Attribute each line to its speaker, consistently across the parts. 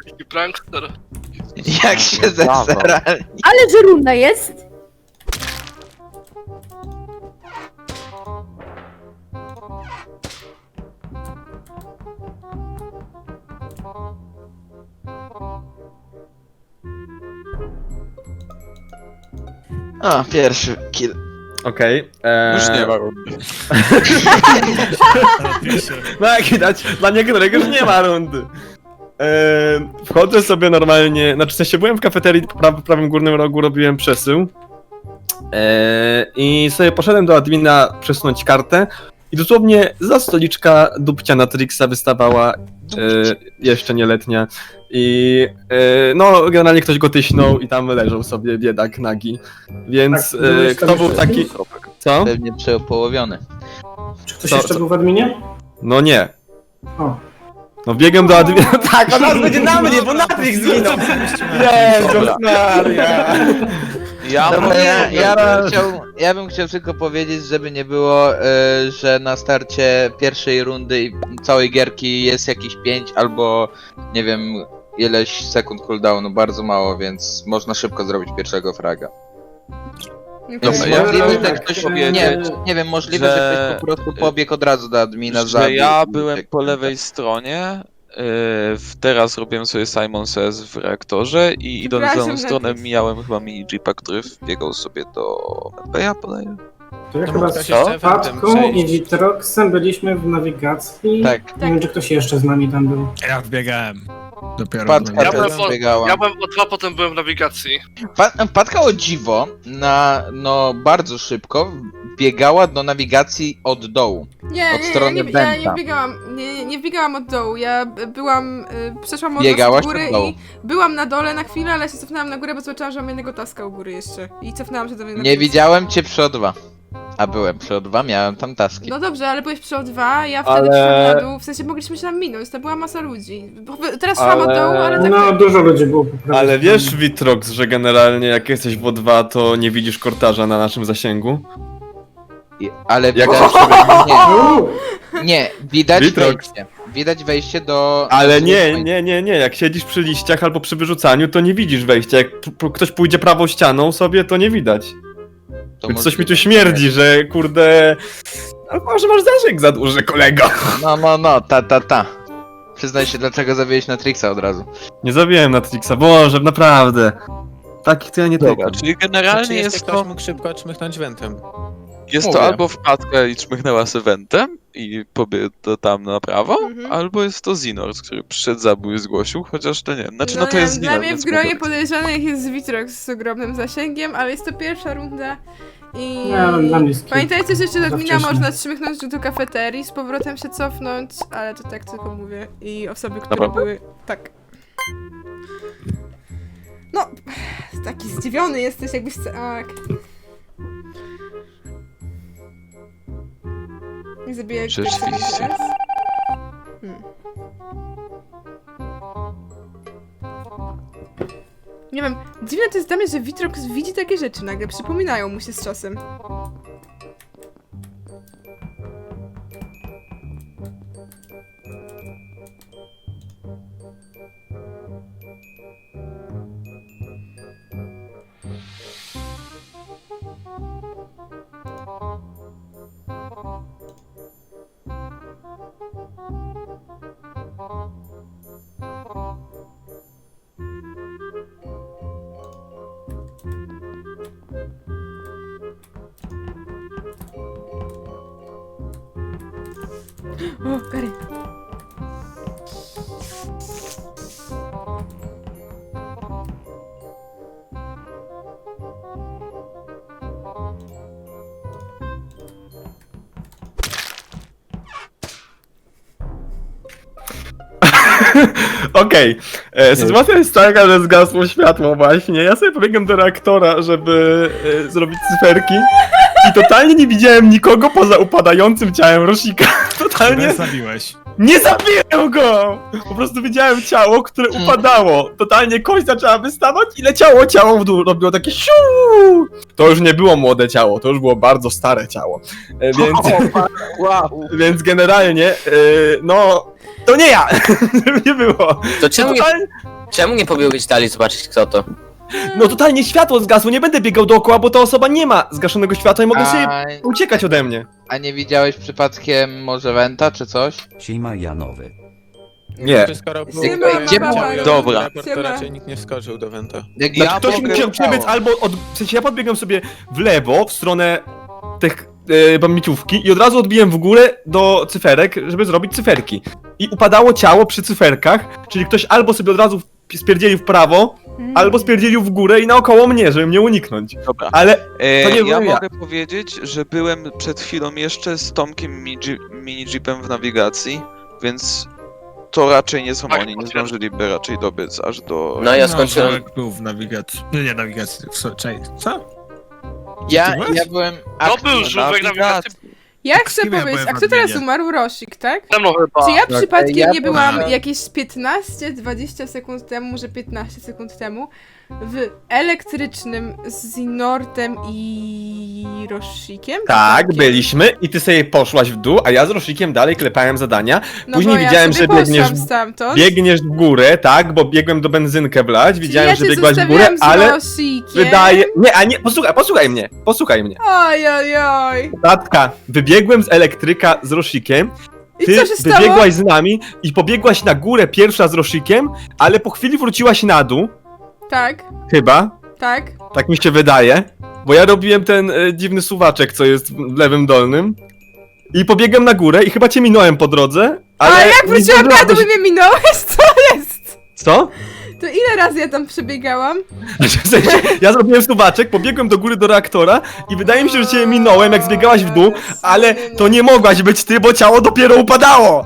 Speaker 1: Taki prankster.
Speaker 2: Jak się zesrali.
Speaker 3: Ale że runda jest?
Speaker 2: O, pierwszy kill.
Speaker 4: Okej.
Speaker 5: Już nie ma rundy.
Speaker 4: No jak widać, dla niektórych już nie ma rundy. Wchodzę sobie normalnie, znaczy w sensie byłem w kafeterii w prawym górnym rogu, robiłem przesył. I sobie poszedłem do admina przesunąć kartę i dosłownie za stoliczka dupcia Natrixa wystawała, jeszcze nieletnia. I no generalnie ktoś go tyśnął i tam leżał sobie biedak nagi. Więc
Speaker 6: Tak, byłeś
Speaker 4: kto
Speaker 6: tam
Speaker 4: był
Speaker 6: jeszcze
Speaker 4: taki... Co?
Speaker 2: Pewnie przepołowiony.
Speaker 6: Czy ktoś
Speaker 4: Co-
Speaker 6: jeszcze
Speaker 4: co?
Speaker 6: był w adminie?
Speaker 4: No nie.
Speaker 6: O.
Speaker 4: No biegłem do admina. Tak, on nas będzie na mnie, bo Natrix zginął! Jezus Maria!
Speaker 2: Dobra, ja bym chciał tylko powiedzieć, żeby nie było, że na starcie pierwszej rundy i całej gierki jest jakieś 5 albo nie wiem ileś sekund cooldownu, bardzo mało, więc można szybko zrobić pierwszego fraga.
Speaker 5: Dobra,
Speaker 6: ja
Speaker 2: Możliwe,
Speaker 6: bym
Speaker 2: że
Speaker 6: tak
Speaker 2: ktoś,
Speaker 5: powiedzieć,
Speaker 2: nie wiem, możliwe, że
Speaker 5: że-
Speaker 2: ktoś po prostu pobiegł od razu do admina,
Speaker 5: Że
Speaker 2: zabił
Speaker 5: ja
Speaker 2: i
Speaker 5: byłem
Speaker 2: uciekł.
Speaker 5: po lewej stronie, teraz robiłem sobie Simon Says w reaktorze i idąc w
Speaker 3: Przepraszam,
Speaker 5: lewą stronę
Speaker 3: Netflix.
Speaker 5: mijałem chyba mini Jeepa, który wbiegał sobie do Medbaya, podaję.
Speaker 6: To ja
Speaker 7: To
Speaker 6: chyba
Speaker 7: mógł ktoś
Speaker 6: z
Speaker 7: jeszcze eventem
Speaker 6: Patką i
Speaker 7: przejść.
Speaker 6: Witroxem byliśmy w nawigacji.
Speaker 2: Tak,
Speaker 6: Nie wiem, czy ktoś jeszcze z nami tam był.
Speaker 7: Ja wbiegałem. Dopiero.
Speaker 2: Patka
Speaker 1: Ja byłem,
Speaker 2: też biegała.
Speaker 1: ja byłem o 2, potem byłem w nawigacji.
Speaker 2: Patka o dziwo, no bardzo szybko biegała do nawigacji od dołu.
Speaker 3: Nie,
Speaker 2: Od
Speaker 3: nie,
Speaker 2: strony
Speaker 3: ja nie
Speaker 2: Benta.
Speaker 3: wbiegałam, nie wbiegałam od dołu, ja byłam, przeszłam od
Speaker 2: Biegałaś
Speaker 3: góry
Speaker 2: od dołu.
Speaker 3: i byłam na dole na chwilę, ale się cofnęłam na górę, bo zobaczyłam, że mam jednego taska u góry jeszcze i cofnęłam się do mnie na
Speaker 2: Nie
Speaker 3: górę.
Speaker 2: widziałem cię przy O2. A byłem przy O2, miałem tam taski.
Speaker 3: No dobrze, ale byłeś przy O2, ja wtedy
Speaker 4: Ale-
Speaker 3: przyszłam na dół, w sensie mogliśmy się tam minąć, to była masa ludzi. Teraz szłam od
Speaker 4: Ale-
Speaker 3: dołu, ale tak...
Speaker 6: No, dużo ludzi było po prawej
Speaker 4: Ale
Speaker 6: stronie.
Speaker 4: wiesz, Witrox, że generalnie jak jesteś w O2, to nie widzisz kortarza na naszym zasięgu?
Speaker 2: Ale
Speaker 4: Jak
Speaker 2: widać... Nie,
Speaker 6: Uuu,
Speaker 2: nie, widać
Speaker 4: Witrox.
Speaker 2: wejście. Widać wejście do...
Speaker 4: Ale nie, jak siedzisz przy liściach albo przy wyrzucaniu, to nie widzisz wejścia. Jak ktoś pójdzie prawą ścianą sobie, to nie widać.
Speaker 2: To
Speaker 4: Więc coś mi
Speaker 2: możliwe.
Speaker 4: tu śmierdzi, że kurde... A może masz zasięg za duży, kolego?
Speaker 2: No, ta. Przyznaj się, dlaczego zabiłeś Natrixa od razu.
Speaker 4: Nie zabiłem Natrixa, Boże, naprawdę. Takich to ja nie
Speaker 5: Dobra,
Speaker 4: tykam.
Speaker 5: czyli generalnie
Speaker 7: Czy jeszcze
Speaker 5: jest
Speaker 7: ktoś
Speaker 5: to,
Speaker 7: mógł szybko czmychnąć wentem?
Speaker 5: jest to
Speaker 2: Mówię.
Speaker 5: albo wpadka i czmychnęła z eventem i pobiegł to tam na prawo,
Speaker 3: Mhm.
Speaker 5: albo jest to Zinors, który przyszedł, zabił i zgłosił, chociaż to nie. Znaczy, no to
Speaker 3: nie
Speaker 5: jest
Speaker 3: wiem,
Speaker 5: Zinor,
Speaker 3: dla mnie
Speaker 5: więc
Speaker 3: w gronie
Speaker 5: mówię.
Speaker 3: podejrzanych jest Witrox z ogromnym zasięgiem, ale jest to pierwsza runda i...
Speaker 6: Nie, dla mnie jest
Speaker 3: Pamiętajcie, że jeszcze do
Speaker 6: za
Speaker 3: admina
Speaker 6: wcześnie.
Speaker 3: można trzymychnąć do kafeterii, z powrotem się cofnąć, ale to tak tylko mówię. I osoby, które
Speaker 5: Naprawdę?
Speaker 3: były... Tak. No, taki zdziwiony jesteś, jakbyś... Tak. Nie zabijaj
Speaker 5: Rzeczywiście.
Speaker 3: teraz. Hmm. Nie wiem, dziwne to jest dla mnie, że Witrox widzi takie rzeczy nagle, przypominają mu się z czasem. O, Gary.
Speaker 4: Okej, sytuacja jest taka, że zgasło światło właśnie. Ja sobie pobiegłem do reaktora, żeby zrobić cyferki i totalnie nie widziałem nikogo poza upadającym ciałem Rosika. Totalnie
Speaker 7: zabiłeś.
Speaker 4: nie zabiłem go! Po prostu widziałem ciało, które upadało. Totalnie kość zaczęła wystawać i leciało ciało w dół. Robiło takie siu. To już nie było młode ciało, to już było bardzo stare ciało. Więc, więc generalnie, no... To nie ja! Żeby nie było.
Speaker 8: To czemu nie,
Speaker 4: Totalnie...
Speaker 8: Czemu nie pobiegłeś dalej zobaczyć kto to?
Speaker 4: No totalnie światło zgasło, nie będę biegał dookoła, bo ta osoba nie ma zgaszonego światła i mogę sobie uciekać ode mnie.
Speaker 2: A nie widziałeś przypadkiem może Wenta czy coś?
Speaker 9: Siema Janowy.
Speaker 4: Nie.
Speaker 7: Skoro był
Speaker 3: Siema,
Speaker 7: ciało,
Speaker 5: Dobra.
Speaker 7: raport, to
Speaker 3: Siema.
Speaker 7: raczej nikt nie wskoczył do Wenta.
Speaker 2: Jak
Speaker 4: Znaczy,
Speaker 2: ja
Speaker 4: ktoś
Speaker 2: mogę-
Speaker 4: musiał przebiec albo w sensie ja podbiegłem sobie w lewo, w stronę tych bambiciówki i od razu odbiłem w górę do cyferek, żeby zrobić cyferki. I upadało ciało przy cyferkach, czyli ktoś albo sobie od razu spierdzielił w prawo, albo spierdzielił w górę i naokoło mnie, żeby mnie uniknąć.
Speaker 5: Dobra.
Speaker 4: Ale to nie
Speaker 5: Ja
Speaker 4: byłem ja.
Speaker 5: mogę powiedzieć, że byłem przed chwilą jeszcze z Tomkiem mini-jeepem w nawigacji, więc to raczej nie są
Speaker 1: Tak,
Speaker 5: oni, nie
Speaker 1: potwierdzam.
Speaker 5: zdążyliby raczej dobiec aż do...
Speaker 8: No ja skończyłem.
Speaker 7: Tomek był w nawigacji. No nie nawigacji, czekaj, co?
Speaker 2: Ja
Speaker 7: byłeś?
Speaker 2: byłem
Speaker 1: To był żółwek nawigacji.
Speaker 3: Ja
Speaker 7: Tak,
Speaker 3: chcę
Speaker 7: z kim ja
Speaker 3: powiedzieć, a
Speaker 7: byłem
Speaker 3: kto
Speaker 7: w
Speaker 3: teraz
Speaker 7: adminie?
Speaker 3: umarł? Rosik, tak?
Speaker 1: Ze mną chyba.
Speaker 3: Czy ja
Speaker 2: Tak,
Speaker 3: przypadkiem
Speaker 2: ja
Speaker 3: nie byłam
Speaker 7: byłem-
Speaker 3: jakieś 15-20 sekund temu, może 15 sekund temu w elektrycznym z Nortem i Rosikiem?
Speaker 4: Tak, byliśmy i ty sobie poszłaś w dół, a ja z Rosikiem dalej klepałem zadania.
Speaker 3: No
Speaker 4: Później
Speaker 3: bo
Speaker 4: widziałem,
Speaker 3: ja sobie
Speaker 4: że biegniesz-
Speaker 3: poszłam stamtąd.
Speaker 4: Biegniesz w górę, tak, bo biegłem do benzynkę wlać,
Speaker 3: Czyli
Speaker 4: widziałem,
Speaker 3: ja
Speaker 4: że
Speaker 3: cię
Speaker 4: biegłaś w górę,
Speaker 3: zostawiłam z
Speaker 4: ale
Speaker 3: Rosikiem.
Speaker 4: wydaje... Nie, a nie, posłuchaj mnie.
Speaker 3: Oj, oj, oj.
Speaker 4: Tatka, wybiegłem z elektryka z Rosikiem,
Speaker 3: I
Speaker 4: ty
Speaker 3: co się stało?
Speaker 4: wybiegłaś z nami i pobiegłaś na górę pierwsza z Rosikiem, ale po chwili wróciłaś na dół,
Speaker 3: Tak,
Speaker 4: chyba,
Speaker 3: tak.
Speaker 4: tak mi się wydaje, bo ja robiłem ten dziwny suwaczek, co jest w lewym dolnym i pobiegłem na górę i chyba cię minąłem po drodze, ale...
Speaker 3: A jak
Speaker 4: nie
Speaker 3: wróciłam na
Speaker 4: zdążyłaś-
Speaker 3: dół i mnie minąłeś? Co jest?
Speaker 4: Co?
Speaker 3: To ile razy ja tam przebiegałam?
Speaker 4: W sensie, ja zrobiłem suwaczek, pobiegłem do góry do reaktora i wydaje mi się, że cię minąłem, jak zbiegałaś w dół, ale to nie mogłaś być ty, bo ciało dopiero upadało!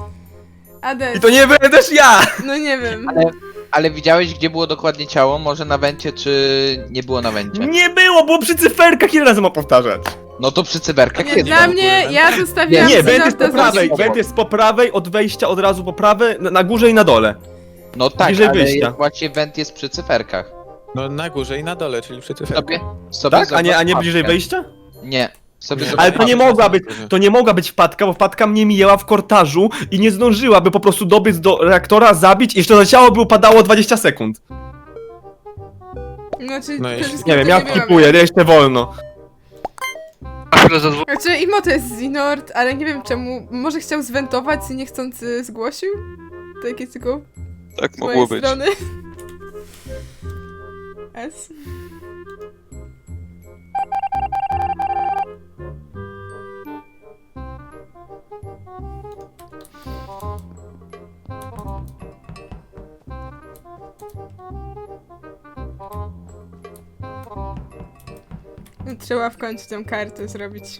Speaker 3: Ades,
Speaker 4: I to nie byłem też ja!
Speaker 3: no nie wiem.
Speaker 2: Ale widziałeś gdzie było dokładnie ciało? Może na Wencie czy nie było na Wencie?
Speaker 4: Nie było przy cyferkach, ile razy mam powtarzać?
Speaker 2: No to przy cyberkach
Speaker 3: Nie,
Speaker 2: kiedy?
Speaker 3: dla mnie, ja zostawiłam
Speaker 4: Nie,
Speaker 3: sobie
Speaker 4: Went jest
Speaker 3: Norta
Speaker 4: po
Speaker 3: z
Speaker 4: prawej,
Speaker 3: Rosikiem.
Speaker 4: Went jest po prawej, od wejścia od razu po prawej, na górze i na dole.
Speaker 2: No tak,
Speaker 4: bliżej
Speaker 2: ale
Speaker 4: wyjścia.
Speaker 2: właśnie Went jest przy cyferkach.
Speaker 7: No na górze i na dole, czyli przy cyferkach.
Speaker 2: Sobie
Speaker 4: Tak? A nie
Speaker 2: zobacz
Speaker 4: bliżej
Speaker 2: mapkę.
Speaker 4: wejścia?
Speaker 2: Nie. Sobie
Speaker 7: Nie.
Speaker 2: zobacz
Speaker 4: Ale to nie
Speaker 2: mapkę.
Speaker 4: mogła być wpadka, bo wpadka mnie mijała w kortażu i nie zdążyłaby po prostu dobiec do reaktora, zabić i jeszcze na ciało by upadało 20 sekund.
Speaker 3: Znaczy,
Speaker 7: No
Speaker 3: przede
Speaker 7: jeśli-
Speaker 3: wszystkim
Speaker 4: Nie wiem,
Speaker 3: to
Speaker 4: ja
Speaker 3: byłam
Speaker 4: skipuję, jeszcze wolno.
Speaker 1: A chwilę ze dwóch.
Speaker 3: Znaczy, Imo to jest Zinord, ale nie wiem czemu. Może chciał zwentować i niechcący zgłosił? Takie tylko
Speaker 5: Tak
Speaker 3: z
Speaker 5: mogło
Speaker 3: mojej
Speaker 5: być.
Speaker 3: strony. S. Trzeba w końcu tę kartę zrobić.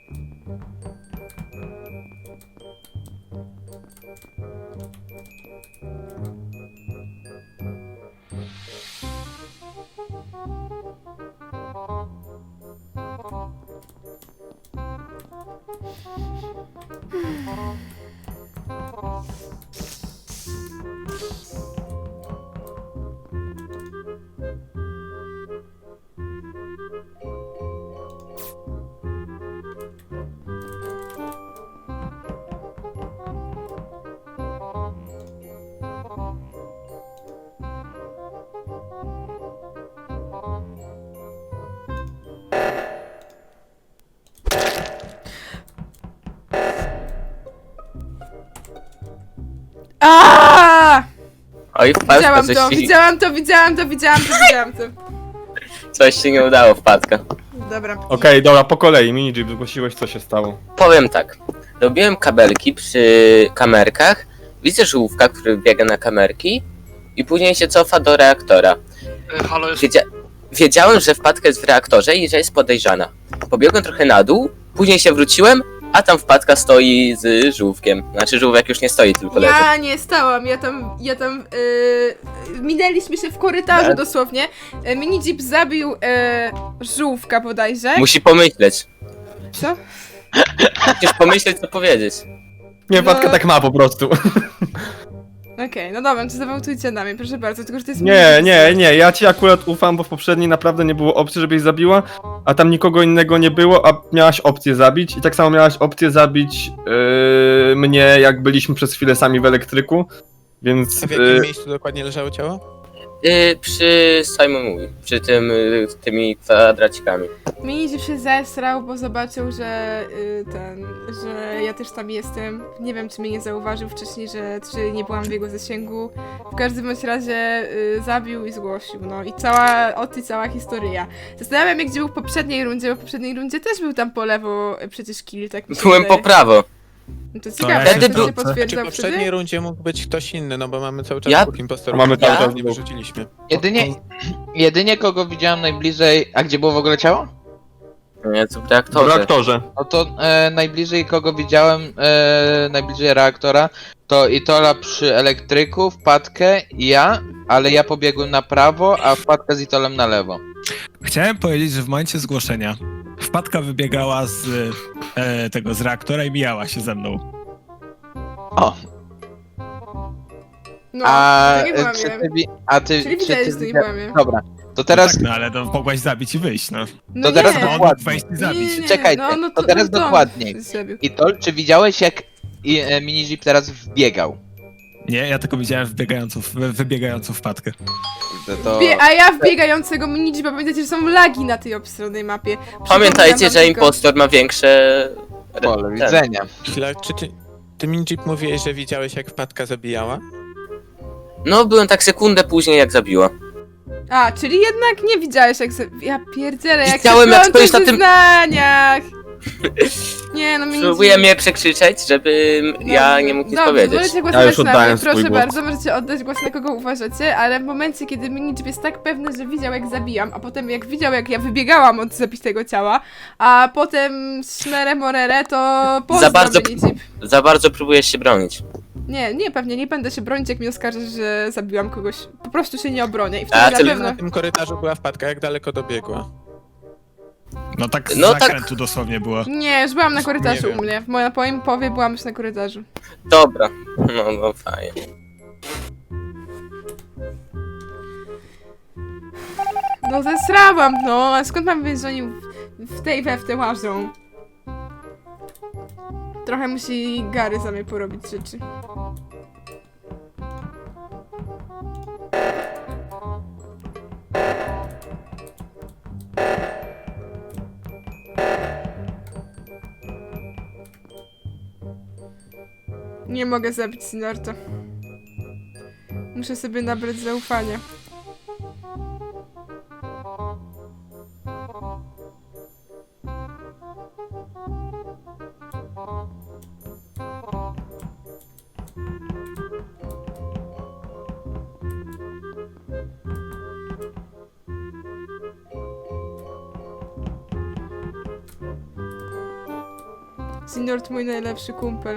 Speaker 3: Aaaa!
Speaker 8: Oj, wpadka,
Speaker 3: Widziałam
Speaker 8: coś
Speaker 3: to,
Speaker 8: ci,
Speaker 3: widziałam to, widziałam to, widziałam to, widziałam to.
Speaker 8: coś ci nie udało, wpadka.
Speaker 3: Dobra.
Speaker 4: Okej, dobra, po kolei, Minijib, zgłosiłeś, co się stało.
Speaker 8: Powiem tak. Robiłem kabelki przy kamerkach. Widzę żółwka, który biega na kamerki i później się cofa do reaktora.
Speaker 1: Halo, jest.
Speaker 8: Wiedziałem, że wpadka jest w reaktorze i że jest podejrzana. Pobiegłem trochę na dół, później się wróciłem, a tam wpadka stoi z żółwkiem. Znaczy żółwek już nie stoi, tylko leży.
Speaker 3: Ja nie stałam, ja tam minęliśmy się w korytarzu
Speaker 8: Tak.
Speaker 3: dosłownie. Minijip zabił żółwka bodajże.
Speaker 8: Musi pomyśleć.
Speaker 3: Co?
Speaker 8: Musisz pomyśleć, co powiedzieć.
Speaker 4: Nie,
Speaker 3: No.
Speaker 4: wpadka tak ma po prostu.
Speaker 3: Okej, no dobra, to zawałtujcie na mnie, proszę bardzo, tylko że to jest
Speaker 4: Nie, ja ci akurat ufam, bo w poprzedniej naprawdę nie było opcji, żebyś zabiła, a tam nikogo innego nie było, a miałaś opcję zabić i tak samo miałaś opcję zabić mnie, jak byliśmy przez chwilę sami w elektryku, Więc
Speaker 9: A w jakim miejscu dokładnie leżało ciało?
Speaker 8: Przy Simon Mówi, przy tym, tymi kwadracikami.
Speaker 3: Minidzi się zesrał, bo zobaczył, że że ja też tam jestem. Nie wiem, czy mnie nie zauważył wcześniej, czy nie byłam w jego zasięgu. W każdym bądź razie zabił i zgłosił, no i cała historia. Zastanawiam się, gdzie był w poprzedniej rundzie, bo w poprzedniej rundzie też był tam po lewo przecież kill, tak mi się
Speaker 8: Byłem po
Speaker 3: wydaje.
Speaker 8: prawo.
Speaker 3: No to
Speaker 7: ja
Speaker 3: ciekawe,
Speaker 8: wtedy
Speaker 3: czy to
Speaker 8: był-
Speaker 3: się
Speaker 9: Czy
Speaker 3: potwierdzał
Speaker 9: w poprzedniej
Speaker 3: wtedy?
Speaker 9: rundzie mógł być ktoś inny, no bo mamy cały czas
Speaker 8: Ja-
Speaker 9: dwóch impostorów.
Speaker 4: Mamy cały czas
Speaker 9: nie
Speaker 4: dwóch.
Speaker 9: wyrzuciliśmy.
Speaker 2: Jedynie kogo widziałem najbliżej... A gdzie było w ogóle ciało?
Speaker 8: Nie, co w
Speaker 4: w
Speaker 8: reaktorze.
Speaker 4: reaktorze.
Speaker 2: No to najbliżej kogo widziałem, najbliżej reaktora, to Itola przy elektryku, wpadkę i ja, ale ja pobiegłem na prawo, a wpadka z Itolem na lewo.
Speaker 7: Chciałem powiedzieć, że w momencie zgłoszenia wpadka wybiegała z reaktora i mijała się ze mną.
Speaker 2: O,
Speaker 3: No,
Speaker 2: a
Speaker 3: to nie byłam
Speaker 2: czy
Speaker 3: ja.
Speaker 2: ty, a ty,
Speaker 3: Czyli
Speaker 2: czy
Speaker 3: widziałeś,
Speaker 2: ty
Speaker 3: że to nie
Speaker 2: widzia-
Speaker 3: byłam ja.
Speaker 2: Dobra, to teraz,
Speaker 7: Tak, no ale to mogłaś zabić i wyjść, no.
Speaker 3: No
Speaker 2: to teraz
Speaker 3: nie.
Speaker 7: No, on
Speaker 2: dokładnie.
Speaker 7: mógł wejść i
Speaker 3: Nie,
Speaker 7: zabić.
Speaker 3: nie, nie.
Speaker 2: Czekajcie, to teraz
Speaker 3: on
Speaker 2: dokładniej.
Speaker 3: zrobił.
Speaker 2: Itol, czy widziałeś jak Minijip teraz wbiegał?
Speaker 7: Nie, ja tylko widziałem wybiegającą wpadkę.
Speaker 2: To...
Speaker 3: A ja wbiegającego Minidzi, bo pamiętacie, że są lagi na tej obstronnej mapie.
Speaker 8: Pamiętajcie,
Speaker 3: Przypominam
Speaker 8: że
Speaker 3: wam tylko.
Speaker 8: impostor ma większe...
Speaker 2: Pole
Speaker 8: ten.
Speaker 2: widzenia.
Speaker 9: Chwila, czy ty Minjip mówiłeś, że widziałeś jak wpadka zabijała?
Speaker 8: No, byłem tak sekundę później, jak zabiła.
Speaker 3: A, czyli jednak nie widziałeś jak ja pierdzielę, jak
Speaker 8: Widziałem,
Speaker 3: się
Speaker 8: jak
Speaker 3: plączą
Speaker 8: stoisz
Speaker 3: w
Speaker 8: na tym-
Speaker 3: wyznaniach. Nie, no Minidzi...
Speaker 8: Próbuję mnie przekrzyczeć, żebym ja nie mógł nic powiedzieć.
Speaker 3: Możecie
Speaker 4: Ja
Speaker 3: głosować
Speaker 4: już
Speaker 3: na mnie,
Speaker 4: oddałem swój
Speaker 3: proszę
Speaker 4: głos.
Speaker 3: bardzo, możecie oddać głos na kogo uważacie, ale w momencie, kiedy Minidzi jest tak pewny, że widział jak zabijam, a potem jak widział jak ja wybiegałam od zabitego ciała, a potem szmerę morere, to pozdro
Speaker 8: bardzo-
Speaker 3: Minidzi.
Speaker 8: Za bardzo próbujesz się bronić.
Speaker 3: Nie, pewnie nie będę się bronić, jak mi oskarżysz, że zabiłam kogoś. Po prostu się nie obronię i
Speaker 8: A,
Speaker 3: wtedy
Speaker 8: ty-
Speaker 3: na pewno...
Speaker 9: Na tym korytarzu była wpadka, jak daleko dobiegła?
Speaker 7: No tak z
Speaker 8: No tak.
Speaker 7: zakrętu dosłownie było.
Speaker 3: Nie, już byłam na korytarzu
Speaker 9: Nie
Speaker 3: u
Speaker 9: wiem.
Speaker 3: mnie. W moim powie byłam już na korytarzu.
Speaker 8: Dobra. No fajnie.
Speaker 3: No zesrałam, no, a skąd mam wiedzieć, że oni w te łażą? Trochę musi Gary za mnie porobić rzeczy. Nie mogę zabić Sinorta. Muszę sobie nabrać zaufania. Sinort mój najlepszy kumpel.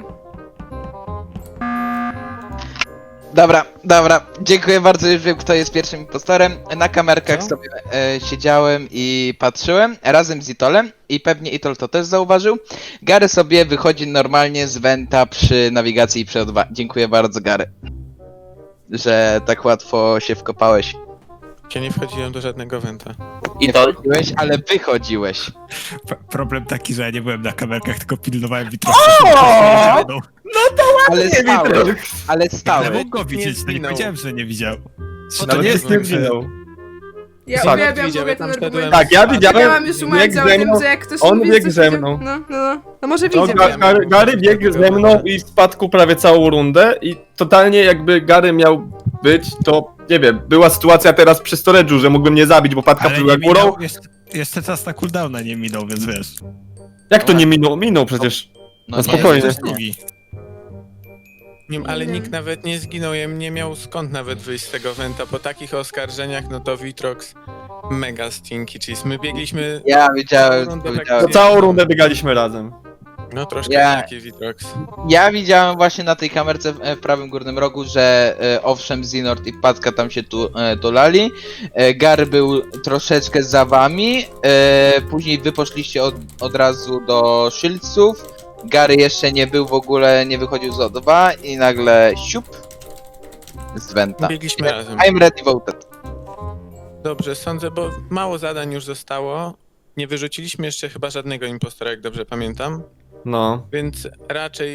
Speaker 2: Dobra, dziękuję bardzo, już wiem kto jest pierwszym impostorem. Na kamerkach
Speaker 9: Co?
Speaker 2: sobie siedziałem i patrzyłem razem z Itolem i pewnie Itol to też zauważył. Gary sobie wychodzi normalnie z Venta przy nawigacji i przy 2. Dziękuję bardzo Gary, że tak łatwo się wkopałeś.
Speaker 9: Ja nie wchodziłem do żadnego wenta.
Speaker 8: I
Speaker 2: Nie
Speaker 8: to
Speaker 2: wchodziłeś, ale wychodziłeś.
Speaker 7: Problem taki, że ja nie byłem na kamerkach, tylko pilnowałem Witroxa.
Speaker 2: Ale stałeś, ale
Speaker 7: Ale
Speaker 2: stałeś.
Speaker 7: mógł go widzieć, to nie
Speaker 9: zginął.
Speaker 7: powiedziałem, że nie widział.
Speaker 9: No
Speaker 4: Nawet
Speaker 9: nie
Speaker 4: nie
Speaker 9: wiem,
Speaker 4: zginął.
Speaker 3: Ja
Speaker 4: Tak.
Speaker 3: uwielbiam
Speaker 9: Widział,
Speaker 3: w ogóle
Speaker 9: ja tam
Speaker 3: ten
Speaker 9: szedłem.
Speaker 3: argument.
Speaker 4: Tak, ja widziałem,
Speaker 3: Miałam już umawiać
Speaker 4: biegł
Speaker 3: o
Speaker 4: ze
Speaker 3: tym,
Speaker 4: mną,
Speaker 3: że jak ktoś
Speaker 4: on
Speaker 3: mówi,
Speaker 4: biegł
Speaker 3: coś
Speaker 4: ze
Speaker 3: widział-
Speaker 4: mną.
Speaker 3: No może
Speaker 4: No,
Speaker 3: widział.
Speaker 4: Gary biegł ze mną i spadł prawie całą rundę i totalnie jakby Gary miał być, to nie wiem, była sytuacja teraz przy storage'u, że mógłbym nie zabić, bo Patka
Speaker 7: Ale
Speaker 4: była
Speaker 7: nie
Speaker 4: górą.
Speaker 7: minął, jeszcze czas na cooldowna nie minął, więc wiesz.
Speaker 4: Jak to nie minął? Minął przecież.
Speaker 2: No
Speaker 4: No spokojnie.
Speaker 7: Ktoś drugi.
Speaker 9: Nie, ale
Speaker 3: Nie.
Speaker 9: nikt nawet nie zginął, ja nie miał skąd nawet wyjść z tego wenta. Po takich oskarżeniach, no to Vitrox mega stinky cheese. My biegliśmy,
Speaker 2: Ja widziałem,
Speaker 9: Rundę
Speaker 2: to
Speaker 9: tak
Speaker 2: widziałem.
Speaker 4: To całą rundę biegaliśmy razem.
Speaker 9: no troszkę
Speaker 2: Ja-
Speaker 9: taki Vitrox.
Speaker 2: Ja widziałem właśnie na tej kamerce w prawym górnym rogu, że owszem Zinort i Patka tam się tulali. Gary był troszeczkę za wami. Później wy poszliście od razu do Shieldsów. Gary jeszcze nie był w ogóle, nie wychodził z O2 i nagle siup z Venta.
Speaker 9: Biegliśmy razem.
Speaker 2: I'm ready voted.
Speaker 9: Dobrze, sądzę, bo mało zadań już zostało. Nie wyrzuciliśmy jeszcze chyba żadnego impostora, jak dobrze pamiętam.
Speaker 4: No.
Speaker 9: Więc raczej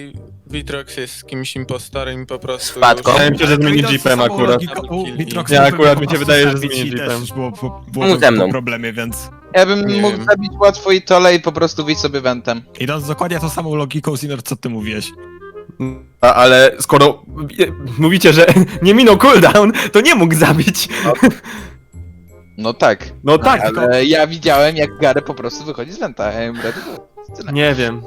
Speaker 9: Vitrox jest z kimś impostorem i po prostu...
Speaker 8: Wpadką.
Speaker 4: Wydaje mi się, że z mini-jeepem akurat. Ja akurat mi się wydaje, że z mini-jeepem.
Speaker 8: Mów ze mną.
Speaker 7: po problemie, więc...
Speaker 2: Ja bym
Speaker 9: Nie
Speaker 2: mógł
Speaker 9: wiem.
Speaker 2: zabić łatwo i tole i po prostu wyjść sobie wentem.
Speaker 7: Idąc dokładnie tą samą logiką, Zinor, co ty mówiłeś.
Speaker 4: Ale skoro mówicie, że nie minął cooldown, to nie mógł zabić.
Speaker 2: No tak,
Speaker 4: No tak, tylko...
Speaker 2: ale ja widziałem jak Gary po prostu wychodzi z wenta. Ja mówię, tyle.
Speaker 4: Nie wiem.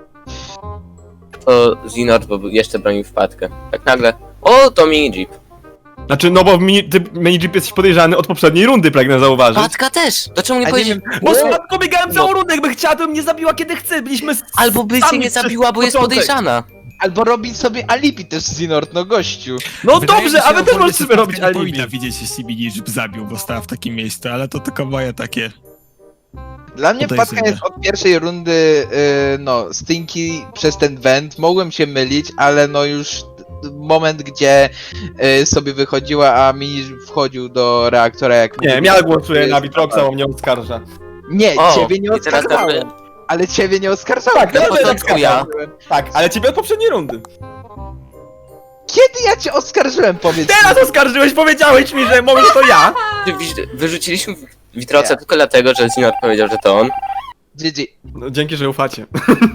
Speaker 8: To Zinor, bo jeszcze bronił wpadkę. Tak nagle, o, to mini jeep.
Speaker 4: Znaczy, no bo ty mini-jeep jesteś podejrzany od poprzedniej rundy, pragnę zauważyć.
Speaker 8: Wpadka też! To czemu nie
Speaker 2: A nie
Speaker 8: powiedzieć?
Speaker 2: wiem,
Speaker 4: Bo z Wpadką biegałem całą rundę, jakby chciała, to mnie zabiła kiedy chce, byliśmy
Speaker 8: Albo by cię
Speaker 4: sami
Speaker 8: nie
Speaker 4: przez
Speaker 8: zabiła, bo jest
Speaker 4: początek.
Speaker 8: podejrzana.
Speaker 2: Albo robić sobie alibi też Zinord, no gościu.
Speaker 4: No
Speaker 7: Wydaje mi
Speaker 4: dobrze,
Speaker 7: się,
Speaker 4: a wy też
Speaker 7: ogólnie,
Speaker 4: możecie
Speaker 7: że
Speaker 4: sobie robić
Speaker 7: Wpadka nie
Speaker 4: alibi.
Speaker 7: powinna widzieć, jeśli mini-jeep zabił, bo stała w takim miejscu, ale to tylko moje takie...
Speaker 2: Dla mnie
Speaker 7: Podejrzane.
Speaker 2: wpadka jest od pierwszej rundy, no, Stinky przez ten went. Mogłem się mylić, ale no już moment, gdzie sobie wychodziła, a mi wchodził do reaktora jak...
Speaker 4: Nie, ja głosuję na Vitroxa, bo mnie oskarża.
Speaker 2: Nie,
Speaker 8: O,
Speaker 2: ciebie nie
Speaker 8: i teraz
Speaker 2: oskarżałem. Ale ciebie nie oskarżałem.
Speaker 4: Tak,
Speaker 8: Na
Speaker 4: ja
Speaker 8: początku ja.
Speaker 4: Tak, ale ciebie od poprzedniej rundy.
Speaker 2: Kiedy ja cię oskarżyłem, powiedz
Speaker 4: Teraz oskarżyłeś, powiedziałeś mi, że może to ja.
Speaker 8: Wyrzuciliśmy Vitroxa tylko dlatego, że Zinor powiedział, że to on.
Speaker 2: GG.
Speaker 4: No, dzięki, że ufacie.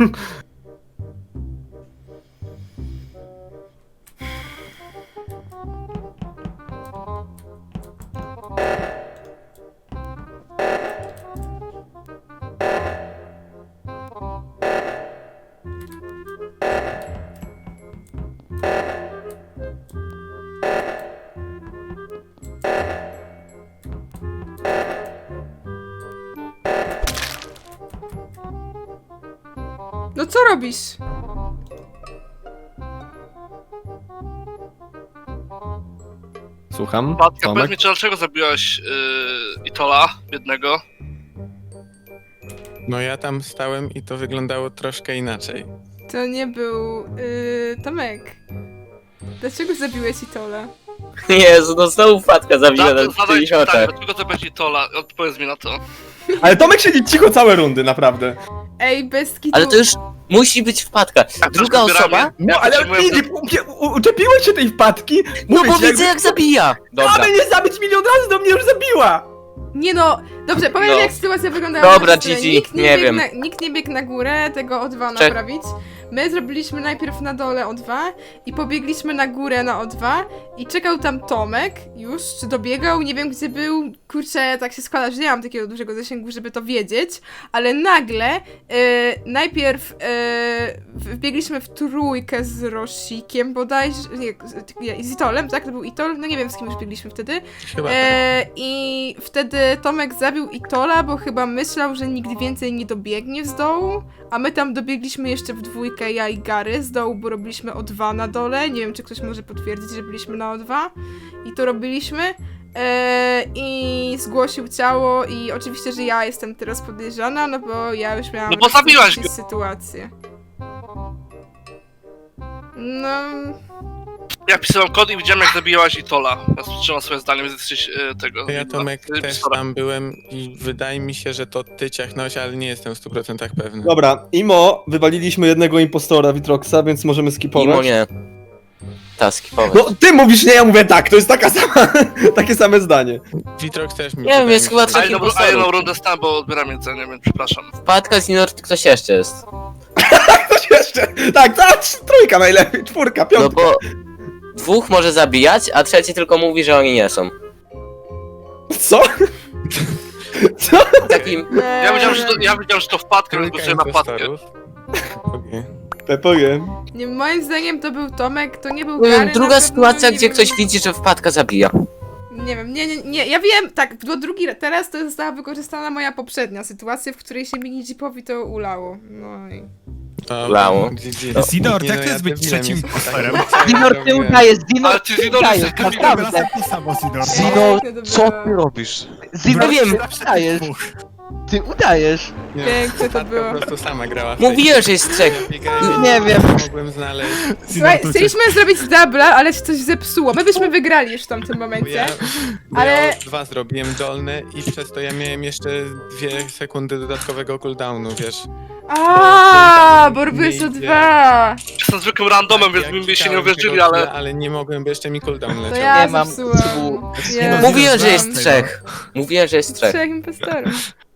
Speaker 3: No co robisz?
Speaker 4: Słucham,
Speaker 1: Wpadka,
Speaker 4: Tomek.
Speaker 1: powiedz mi, czy dlaczego zabiłaś Itola, jednego?
Speaker 9: No ja tam stałem i to wyglądało troszkę inaczej.
Speaker 3: To nie był Tomek. Dlaczego zabiłeś Itola?
Speaker 8: Jezu, no znowu wpadka zabiła na
Speaker 1: Zadaj
Speaker 8: twoich
Speaker 1: ci pytanie,
Speaker 8: oczach.
Speaker 1: dlaczego zabiłaś Itola? Odpowiedz mi na to.
Speaker 4: Ale Tomek siedzi cicho całe rundy, naprawdę.
Speaker 3: Ej, bez kitu.
Speaker 8: Ale to już musi być wpadka. Druga
Speaker 1: też wybieramy.
Speaker 8: osoba?
Speaker 4: No
Speaker 1: Ja
Speaker 4: ale
Speaker 1: potrzebuję-
Speaker 4: uczepiłeś się tej wpadki.
Speaker 8: No
Speaker 4: Mówię
Speaker 8: bo
Speaker 4: ci,
Speaker 8: widzę jak zabija! Dobra.
Speaker 4: Mamy nie zabić milion razy, do mnie już zabiła.
Speaker 3: Nie no, dobrze, powiem
Speaker 8: No.
Speaker 3: jak sytuacja wyglądała.
Speaker 8: Dobra,
Speaker 3: na scenie.
Speaker 8: GG,
Speaker 3: Nikt
Speaker 8: nie
Speaker 3: biegł
Speaker 8: wiem.
Speaker 3: Nikt nie biegł na górę tego O2
Speaker 8: Czek.
Speaker 3: naprawić. My zrobiliśmy najpierw na dole O2 i pobiegliśmy na górę na O2 i czekał tam Tomek już, czy dobiegał, nie wiem gdzie był, kurczę, tak się składa, że nie mam takiego dużego zasięgu, żeby to wiedzieć, ale nagle najpierw wbiegliśmy w trójkę z Rosikiem bodajże, nie, z Itolem, tak? To był Itol, no nie wiem z kim już biegliśmy wtedy.
Speaker 9: Chyba tak.
Speaker 3: I wtedy Tomek zabił Itola, bo chyba myślał, że nigdy więcej nie dobiegnie z dołu, a my tam dobiegliśmy jeszcze w dwójkę, ja i Gary z dołu, bo robiliśmy O2 na dole, nie wiem czy ktoś może potwierdzić, że byliśmy na O2 i to robiliśmy i zgłosił ciało i oczywiście, że ja jestem teraz podejrzana, no bo ja już miałam
Speaker 1: No bo zabiłaś go.
Speaker 3: sytuację. No...
Speaker 1: Ja pisałem kod i widziałem, jak zabijałaś Itola. Ja słyszałem swoje zdanie, więc jesteś tego...
Speaker 9: Ja Tomek
Speaker 1: Ty
Speaker 9: też
Speaker 1: pisora.
Speaker 9: tam byłem i wydaje mi się, że to ty ciachnąłeś, ale nie jestem w 100% pewny.
Speaker 4: Dobra, Imo, wywaliliśmy jednego impostora Vitroxa, więc możemy skipować.
Speaker 8: Mimo nie. Ta, skipować.
Speaker 4: No ty mówisz nie, ja mówię tak, to jest taka sama, takie same zdanie.
Speaker 9: Vitrox też mi
Speaker 8: Nie wiem,
Speaker 9: wydaje
Speaker 8: jest
Speaker 9: mi
Speaker 8: chyba
Speaker 9: się,
Speaker 8: trzech
Speaker 1: A jedną
Speaker 8: impostorów.
Speaker 1: rundę stałem, bo odbieram jedzenie, więc przepraszam.
Speaker 8: Wpadka, Zinor, ktoś jeszcze jest.
Speaker 4: Coś jeszcze, tak, ta trójka najlepiej, czwórka,
Speaker 8: No
Speaker 4: piątka.
Speaker 8: bo dwóch może zabijać, a trzeci tylko mówi, że oni nie są.
Speaker 4: Co? Co?
Speaker 8: Takim...
Speaker 1: Ja wiedziałem, że to wpadka, więc
Speaker 9: trójka
Speaker 1: głosuję na wpadkę.
Speaker 9: impostorów. Okej.
Speaker 4: Pepowie.
Speaker 3: Nie, moim zdaniem to był Tomek, to nie był
Speaker 8: Nie
Speaker 3: Gary.
Speaker 8: wiem,
Speaker 3: na
Speaker 8: druga
Speaker 3: pewno,
Speaker 8: sytuacja,
Speaker 3: nie
Speaker 8: gdzie
Speaker 3: wiem.
Speaker 8: ktoś widzi, że wpadka zabija.
Speaker 3: Nie wiem, nie, ja wiem, tak, bo teraz to została wykorzystana moja poprzednia sytuacja, w której się mini Jeepowi to ulało. No i...
Speaker 9: Dobra,
Speaker 8: Lało.
Speaker 9: GG.
Speaker 7: Zinor,
Speaker 9: Nie,
Speaker 7: jak
Speaker 9: no,
Speaker 7: to jest być
Speaker 9: też
Speaker 7: trzecim
Speaker 9: wiem, jest
Speaker 7: impostorem?
Speaker 9: tak,
Speaker 2: Zinor, ty
Speaker 9: robiłem.
Speaker 2: udajesz, Zinor,
Speaker 1: Ale ty,
Speaker 2: ty
Speaker 1: Zinor,
Speaker 2: udajesz,
Speaker 1: jesteś
Speaker 2: naprawdę.
Speaker 7: Raz to samo, Zinor.
Speaker 3: Piękne to było.
Speaker 5: robisz?
Speaker 2: Zinor,
Speaker 8: Nie wiem.
Speaker 2: ty udajesz, ty udajesz.
Speaker 9: Nie,
Speaker 3: Piękne to
Speaker 9: wpadka
Speaker 3: było.
Speaker 9: po prostu sama grała w tej
Speaker 8: Mówiłem, że jest trzech.
Speaker 9: biegałem,
Speaker 2: Nie wiem.
Speaker 9: Mogłem znaleźć.
Speaker 3: Słuchaj, chcieliśmy zrobić dubla, ale się coś zepsuło. My byśmy wygrali już w tamtym
Speaker 9: Bo
Speaker 3: momencie.
Speaker 9: ja,
Speaker 3: Ale-
Speaker 9: ja dwa zrobiłem dolne i przez to ja miałem jeszcze 2 sekundy dodatkowego cooldownu, wiesz.
Speaker 3: Bo robiłeś
Speaker 9: nie
Speaker 3: o
Speaker 9: idzie.
Speaker 3: 2!
Speaker 1: Jestem zwykłym randomem, więc
Speaker 9: Ja
Speaker 1: mi by się nie
Speaker 9: klikałem
Speaker 1: uwierzyli,
Speaker 9: tego
Speaker 1: ale...
Speaker 9: ale nie mogłem, bo jeszcze mi cooldown
Speaker 3: To
Speaker 9: leciał.
Speaker 3: ja
Speaker 2: Nie mam
Speaker 3: zepsułam.
Speaker 2: słów.
Speaker 3: Jezu,
Speaker 8: Mówiłem, że jest
Speaker 3: mam
Speaker 8: 3. Mówiłem, że jest 3.
Speaker 3: 3 impostorów.